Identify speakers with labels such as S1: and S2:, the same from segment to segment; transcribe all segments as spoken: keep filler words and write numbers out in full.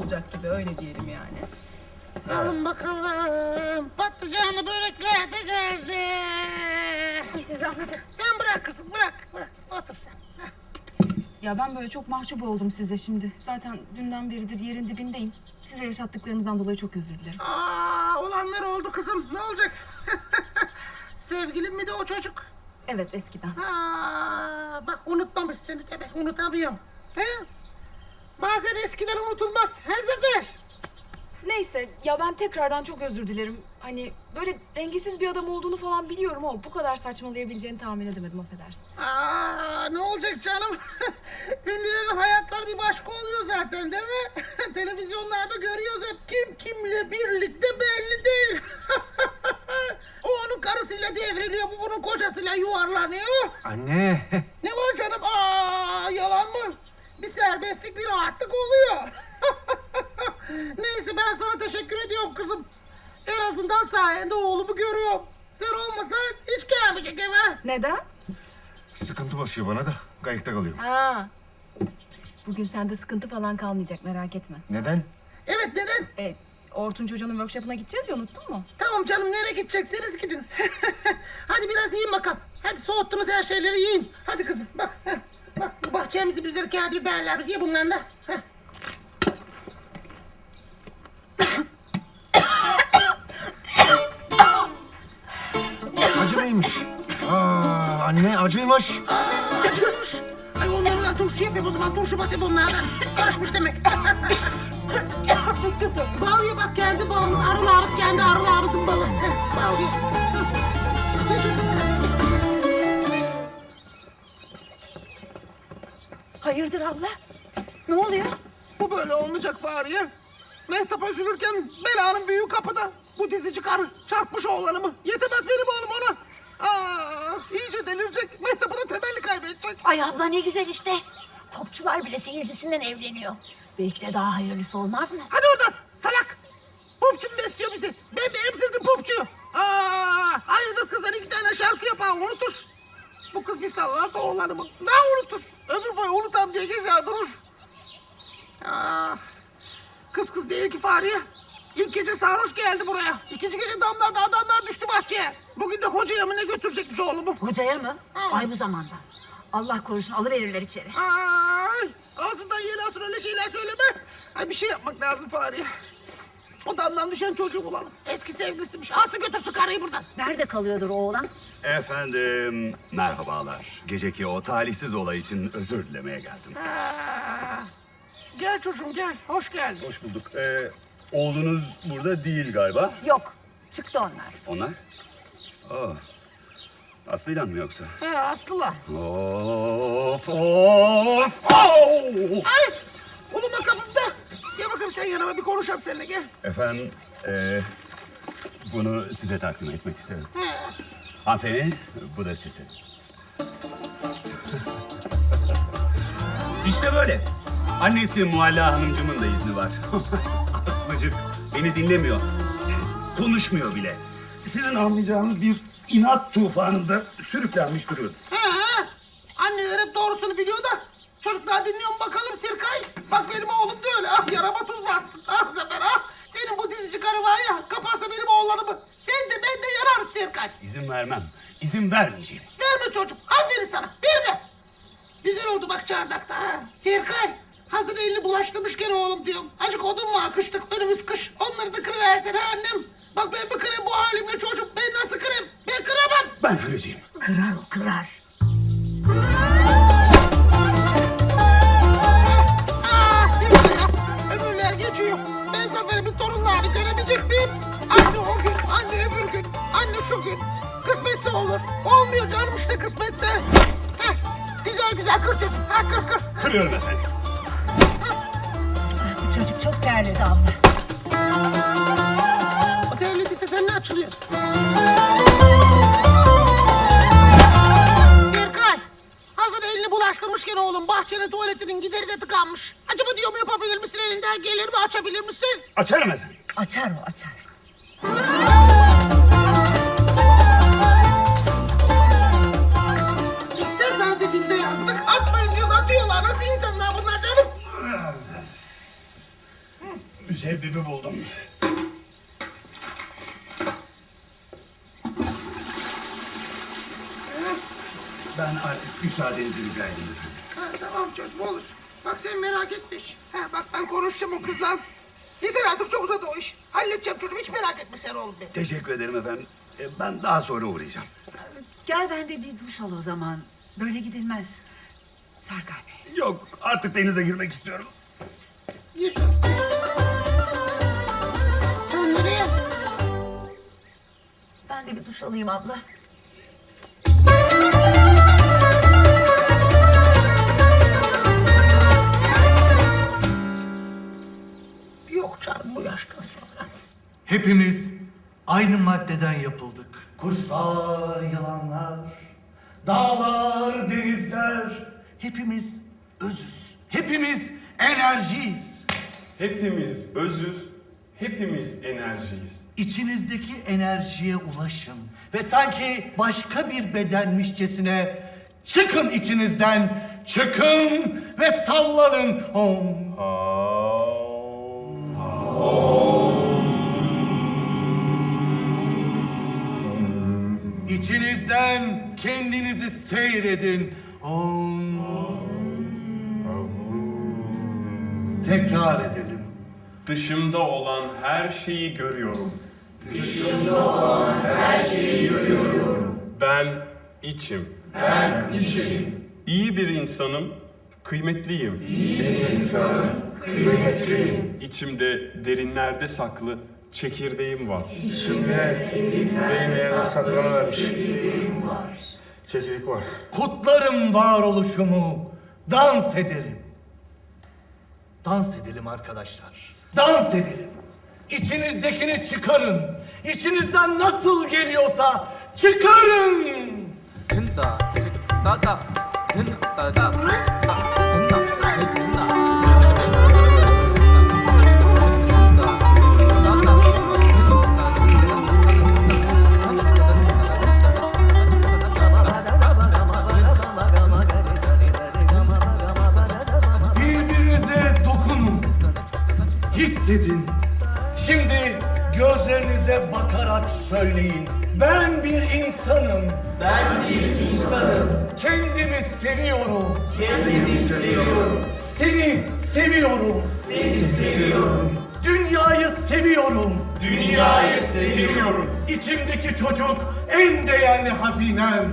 S1: olacak gibi, öyle diyelim yani.
S2: Alın bakalım. Patlıcanlı börekler de geldi.
S1: Ay siz zahmet.
S2: Sen bırak kızım, bırak. Bırak. Otur sen. Heh.
S1: Ya ben böyle çok mahcup oldum size şimdi. Zaten dünden beridir yerin dibindeyim. Size yaşattıklarımızdan dolayı çok özür dilerim.
S2: Aa, olanlar oldu kızım. Ne olacak? Sevgilim mi de o çocuk?
S1: Evet, eskiden.
S2: Ha, bak unutmamış seni demek. Unutamıyorum. He? Bazen eskiler unutulmaz. Her sefer.
S1: Neyse ya, ben tekrardan çok özür dilerim. Hani böyle dengesiz bir adam olduğunu falan biliyorum ama bu kadar saçmalayabileceğini tahmin edemedim, affedersiniz.
S2: Aa, ne olacak canım? Ünlülerin hayatları bir başka oluyor zaten değil mi? Televizyonlarda görüyoruz hep, kim kimle birlikte belli değil. O onun karısıyla devriliyor, bu bunun kocasıyla yuvarlanıyor.
S3: Anne.
S2: Ne var canım? Aa, yalan mı? Bir serbestlik, bir rahatlık oluyor. Neyse, ben sana teşekkür ediyorum kızım. En azından sayende oğlumu görüyorum. Sen olmasan hiç gelmeyecek eve.
S1: Neden?
S3: Sıkıntı basıyor bana da. Kayıkta kalıyorum.
S1: Ha. Bugün sende sıkıntı falan kalmayacak, merak etme.
S3: Neden?
S2: Evet, neden?
S1: E, Ortunç Hoca'nın workshop'ına gideceğiz ya, unuttun mu?
S2: Tamam canım, nereye gidecekseniz gidin. Hadi biraz yiyin bakalım. Hadi, soğuttunuz her şeyleri, yiyin. Hadi kızım, bak. Heh. Bak, bu bahçemizi bizleri kağıt biberler, biz ye bundan da. Heh.
S3: Acı mıymış? Aa, anne acıymış.
S2: Aa, acıyormuş. Ay, onlardan turşu yapayım o zaman, turşu basayım onlardan. Karışmış demek. Bal ye bak, geldi balımız, arıl ağabeyimiz kendi arıl ağabeyimizin balı. Heh, bal ye. Heh. Ye çocuğum sen.
S1: Hayırdır abla? Ne oluyor?
S2: Bu böyle olmayacak Fahriye. Mehtap üzülürken belanın büyüğü kapıda. Bu dizici karı çarpmış oğlanımı. Yetemez benim oğlum ona. Aa, iyice delirecek. Mehtap'ı da temelli kaybedecek.
S4: Ay abla ne güzel işte. Popçular bile seyircisinden evleniyor. Belki de daha hayırlısı olmaz mı?
S2: Hadi oradan salak. Popçu mu besliyor bizi? Ben mi emzirdim popçuyu? Aa, hayırdır kızlar, iki tane şarkı yapar unutur. Bu kız bir sallarsa oğlanımı. Daha unutur. Ömür boyu unutam diye gezer durur. Aa, kız kız değil ki Fahriye. İlk gece sarhoş geldi buraya. İkinci gece damlarda adamlar düştü bahçeye. Bugün de hocaya mı ne götürecekmiş oğlumu?
S4: Hocaya mı?
S2: Hı.
S4: Ay bu zamanda. Allah korusun alıverirler içeri.
S2: Ay, ağzından yeni asır öyle şeyler söyleme. Ay, bir şey yapmak lazım Fahriye. O damdan düşen çocuğu bulalım. Eski sevgilisiymiş. Alsın götürsün karıyı buradan.
S4: Nerede kalıyordur o oğlan?
S5: Efendim, merhabalar. Geceki o talihsiz olay için özür dilemeye geldim.
S2: Ha, gel çocuğum gel. Hoş geldin.
S5: Hoş bulduk. Ee, oğlunuz burada değil galiba.
S4: Yok. Çıktı onlar.
S5: Onlar? Oh. Aslı'yla mı yoksa?
S2: He, Aslı'la.
S5: Of, of, oh!
S2: Ay, uluma kapımda. Gel bakalım sen yanıma, bir konuşalım seninle, gel.
S5: Efendim, ee, bunu size takdim etmek isterim.
S2: He.
S5: Hanımefendi, bu da sizin. İşte böyle. Annesi Mualla Hanımcığımın da izni var. Aslıcık beni dinlemiyor. Konuşmuyor bile. Sizin anlayacağınız bir inat tufanında sürüklenmiş duruyoruz.
S2: He he. Anneler hep doğrusunu biliyor da. Çocuklar dinliyor mu bakalım Sirkay? Bak benim oğlum da öyle. Ah, yarama tuz bastın. Ah Zafer ah. Senin bu dizici karı var ya, kaparsa benim oğlanımı. Sen de ben de yanarız Sirkay.
S5: İzin vermem. İzin vermeyeceğim.
S2: Verme çocuğum. Aferin sana. Verme. Güzel oldu bak çardakta ha. Serkay, hazır elini bulaştırmışken oğlum diyorum. Acık odun mu akıştık, önümüz kış. Onları da kırıversene annem. Bak ben mi kırayım bu halimle çocuğum? Ben nasıl kırayım? Ben kıramam.
S5: Ben kıracağım.
S4: Kırar o kırar.
S2: Ah Serkay ya. Ömürler geçiyor. Ben Zafer'imin torunlarını görebilecek miyim? Anne o gün, anne öbür gün, anne şu gün. Kısmetse olur. Olmuyor canım işte kısmetse. Heh, güzel güzel kır çocuğum. Ha, kır kır.
S5: Kırıyorum efendim.
S4: Bu çocuk çok terledi abla.
S2: O terlediyse sen ne açılıyor? Serkay, hazır elini bulaştırmışken oğlum bahçenin tuvaletinin gideri de tıkanmış. Acaba diyorum, yapabilir misin, elinden gelir mi, açabilir misin?
S5: Açarım efendim.
S4: Açar o açar.
S2: Sen daha dediğinde yazdık. Atmayın diyoruz, atıyorlar. Nasıl insanlar bunlar canım?
S5: müsebbibi buldum. Ben artık müsaadenizi rica edeyim efendim.
S2: Ha, tamam çocuğum olur. Bak sen merak etme hiç. Ha, bak ben konuşacağım o kızla. Yeter artık çok uzadı o iş. Halledeceğim çocuğum hiç merak etme sen oğlum benim.
S5: Teşekkür ederim efendim. E, Ben daha sonra uğrayacağım.
S6: Gel ben de bir duş al o zaman. Böyle gidilmez. Serkay Bey.
S5: Yok, artık denize girmek istiyorum.
S2: Niye çocuğum? Sen nereye?
S4: Ben de bir duş alayım abla.
S2: Yok canım bu yaştan sonra.
S7: Hepimiz aynı maddeden yapıldık. Kuşlar, yılanlar, dağlar, denizler. Hepimiz özüz. Hepimiz enerjiyiz.
S8: Hepimiz özüz, hepimiz enerjiyiz.
S7: İçinizdeki enerjiye ulaşın ve sanki başka bir bedenmişçesine çıkın içinizden, çıkın ve sallanın. Om. İçinizden kendinizi seyredin. Om. Tekrar edelim.
S8: Dışımda olan her şeyi görüyorum. Ben içim. Ben içim. İyi bir insanım, kıymetliyim. İyi bir insanım, kıymetliyim. İçimde derinlerde saklı çekirdeğim var.
S3: İçimde benim yerine saklanıvermiş. Çekirdek var.
S7: Kutlarım varoluşumu, dans ederim. Dans edelim arkadaşlar. Dans edelim. İçinizdekini çıkarın. İçinizden nasıl geliyorsa çıkarın.
S9: 든다 따다 든다 따다
S7: Birbirinize dokunun. Hissedin. Şimdi gözlerinize bakarak söyleyin. Ben bir insanım. Ben bir insanım. Kendimi seviyorum. Kendimi seviyorum. Seni seviyorum. Seni seviyorum. Dünyayı seviyorum.
S8: Dünyayı seviyorum.
S7: İçimdeki çocuk en değerli hazinem.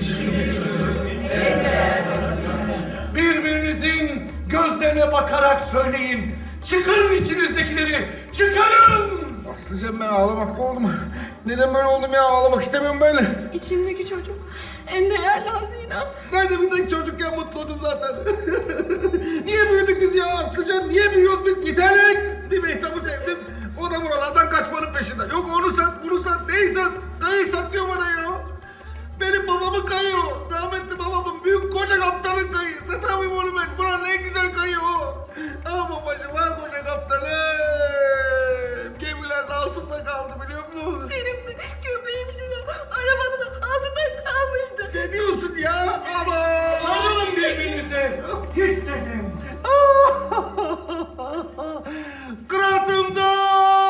S7: Birbirinizin gözlerine bakarak söyleyin. Çıkarın içinizdekileri. Çıkarın.
S3: Aslıcığım ben ağlamak mı oldum? Neden böyle oldum ya? Ağlamak istemiyorum böyle.
S1: İçimdeki çocuk en değerli hazinem.
S2: Ben de bir tek çocukken mutluydum zaten. Niye büyüdük biz ya Aslıcan? Niye büyüyoruz biz? Yeterlik. Bir Mehtap'ı sevdim. O da buralardan kaçmanın peşinde. Yok onu sat, bunu sat, neyi sat? Kayı sat diyor bana ya. Benim babamın kayı o. Rahmetli babamın büyük koca kaptanın kayı. Satamayayım onu ben. Buranın en güzel kayı o. Ah babacığım, ah koca kaptanım. Gemilerin altında kaldı biliyor musun?
S4: Benim de köpeğim Şirin arabanın altında kalmıştı.
S2: Ne diyorsun ya? Ama.
S7: Sarılın birbirinize. Hissedin.
S2: Kıraatımda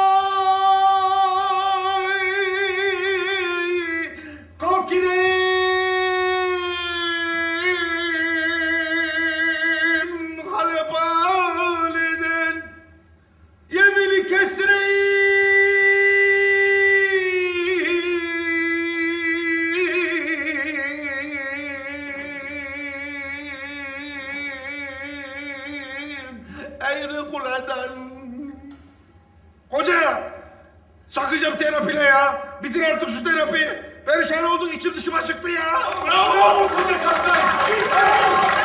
S2: kalk gidelim Halep haleden yemini kestireyim eğri kuleden. Hoca! Çakacağım terapiyle ya. Bitir artık şu terapiyi. Perişan olduk, içim dışıma çıktı ya.
S7: Bravo koca kaptan.